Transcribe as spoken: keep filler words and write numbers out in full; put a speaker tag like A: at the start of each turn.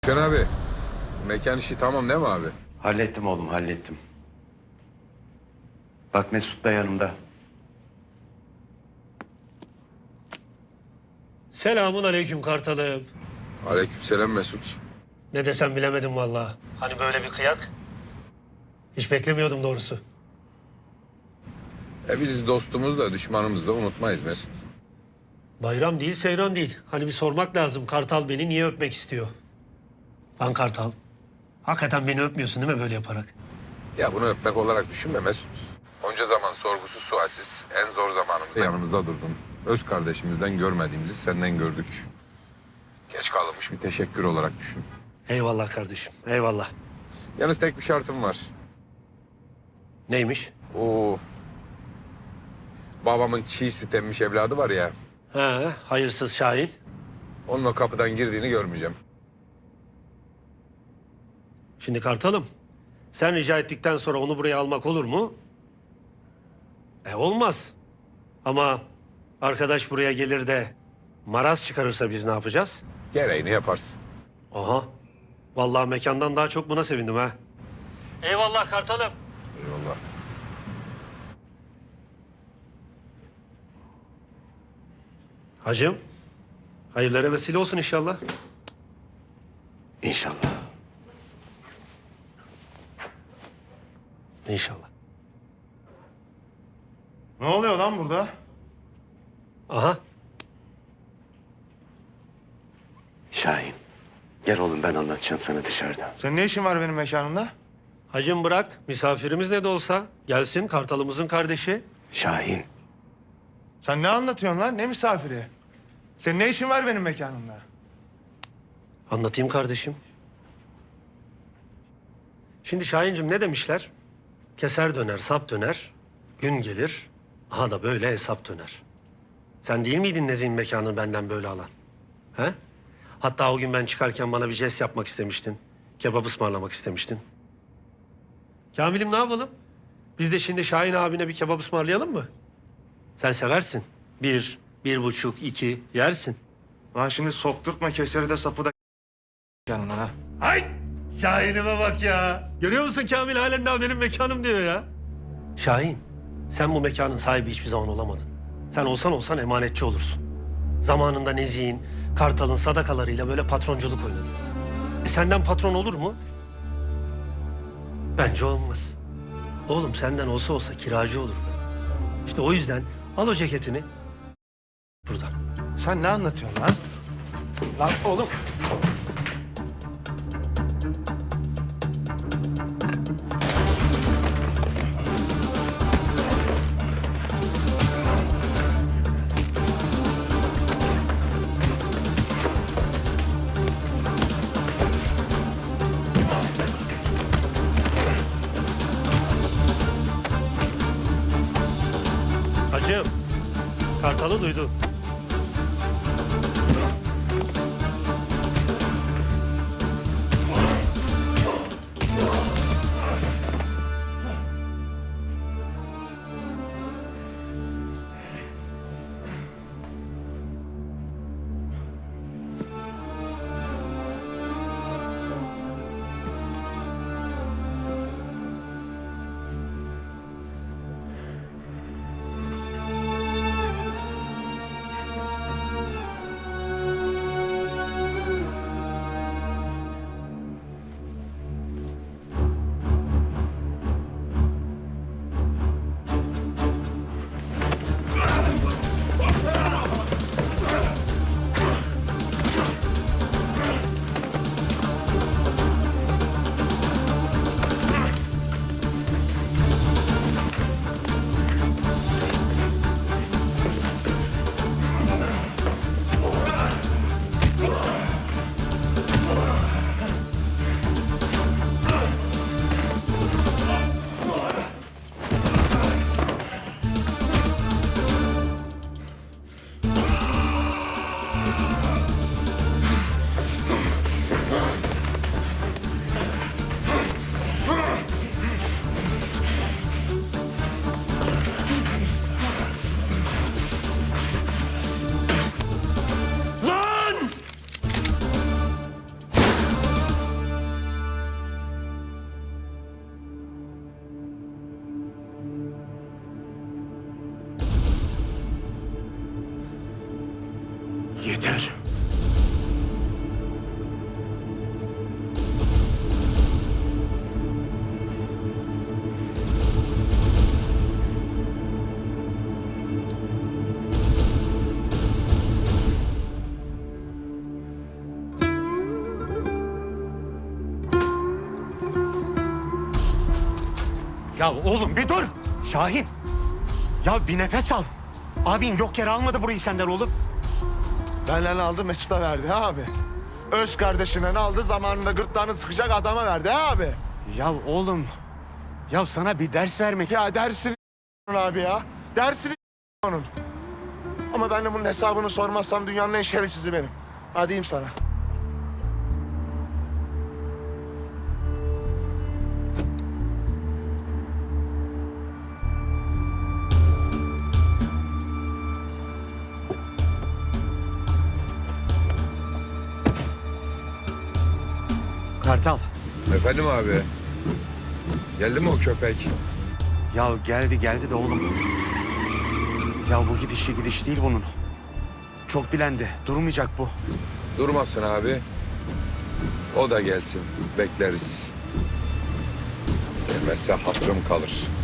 A: Şen abi, mekan işi tamam değil mi abi?
B: Hallettim oğlum, hallettim. Bak Mesut da yanımda.
C: Selamun aleyküm Kartalım.
A: Aleykümselam Mesut.
C: Ne desem bilemedim vallahi. Hani böyle bir kıyak. Hiç beklemiyordum doğrusu.
A: E biz dostumuz da düşmanımız da unutmayız Mesut.
C: Bayram değil, seyran değil. Hani bir sormak lazım. Kartal beni niye öpmek istiyor? Lan Kartal, hakikaten beni öpmüyorsun değil mi böyle yaparak?
A: Ya bunu öpmek olarak düşünme Mesut. Onca zaman sorgusuz sualsiz en zor zamanımızda yanımızda durdun. Öz kardeşimizden görmediğimizi senden gördük. Geç kalınmış bir teşekkür olarak düşün.
C: Eyvallah kardeşim, eyvallah.
A: Yalnız tek bir şartım var.
C: Neymiş?
A: O babamın çiğ süt emmiş evladı var ya.
C: He, hayırsız Şahin.
A: Onun o kapıdan girdiğini görmeyeceğim.
C: Şimdi Kartalım, sen rica ettikten sonra onu buraya almak olur mu? E olmaz. Ama arkadaş buraya gelir de maraz çıkarırsa biz ne yapacağız?
A: Gereğini yaparsın.
C: Aha. Vallahi mekandan daha çok buna sevindim ha. Eyvallah Kartalım.
A: Eyvallah.
C: Hacım, hayırlara vesile olsun inşallah.
B: İnşallah.
C: İnşallah.
D: Ne oluyor lan burada?
C: Aha.
B: Şahin, gel oğlum ben anlatacağım sana dışarıda.
D: Senin ne işin var benim mekanımda?
C: Hacım bırak, misafirimiz ne de olsa gelsin, Kartalımızın kardeşi.
B: Şahin,
D: Sen ne anlatıyorsun lan? Ne misafiri? Senin ne işin var benim mekanımda?
C: Anlatayım kardeşim. Şimdi Şahincim ne demişler? Keser döner, sap döner, gün gelir, aha da böyle hesap döner. Sen değil miydin Nezih'in mekanını benden böyle alan? He? Hatta o gün ben çıkarken bana bir jest yapmak istemiştin. Kebap ısmarlamak istemiştin. Kamil'im ne yapalım? Biz de şimdi Şahin abine bir kebap ısmarlayalım mı? Sen seversin. Bir, bir buçuk, iki yersin.
D: Lan şimdi sokturtma keseri de sapı da yanından ha.
C: Ay! Şahin'ime bak ya. Görüyor musun Kamil halen daha benim mekanım diyor ya. Şahin, sen bu mekanın sahibi hiçbir zaman olamadın. Sen olsan olsan emanetçi olursun. Zamanında Nezih'in, Kartal'ın sadakalarıyla böyle patronculuk oynadın. E senden patron olur mu? Bence olmaz. Oğlum senden olsa olsa kiracı olur be. İşte o yüzden al o ceketini. Burada.
D: Sen ne anlatıyorsun lan? Lan oğlum.
C: Hacım, Kartal'ı duydun.
B: Yeter.
D: Ya oğlum bir dur. Şahin. Ya bir nefes al. Abin yok yere almadı burayı senden oğlum.
E: Benden aldı Mesut'a verdi ha abi. Öz kardeşinden aldı zamanında gırtlağını sıkacak adama verdi ha abi.
D: Ya oğlum. Ya sana bir ders vermek.
E: Ya dersini abi ya. Dersini onun. Ama ben de bunun hesabını sormazsam dünyanın en şerefsizi benim. Ha diyeyim sana.
D: Kartal.
A: Efendim abi. Geldi mi o köpek?
D: Ya geldi geldi de oğlum. Ya bu gidişi gidiş değil bunun. Çok bilendi. Durmayacak bu.
A: Durmasın abi. O da gelsin. Bekleriz. Gelmezse hatırım kalır.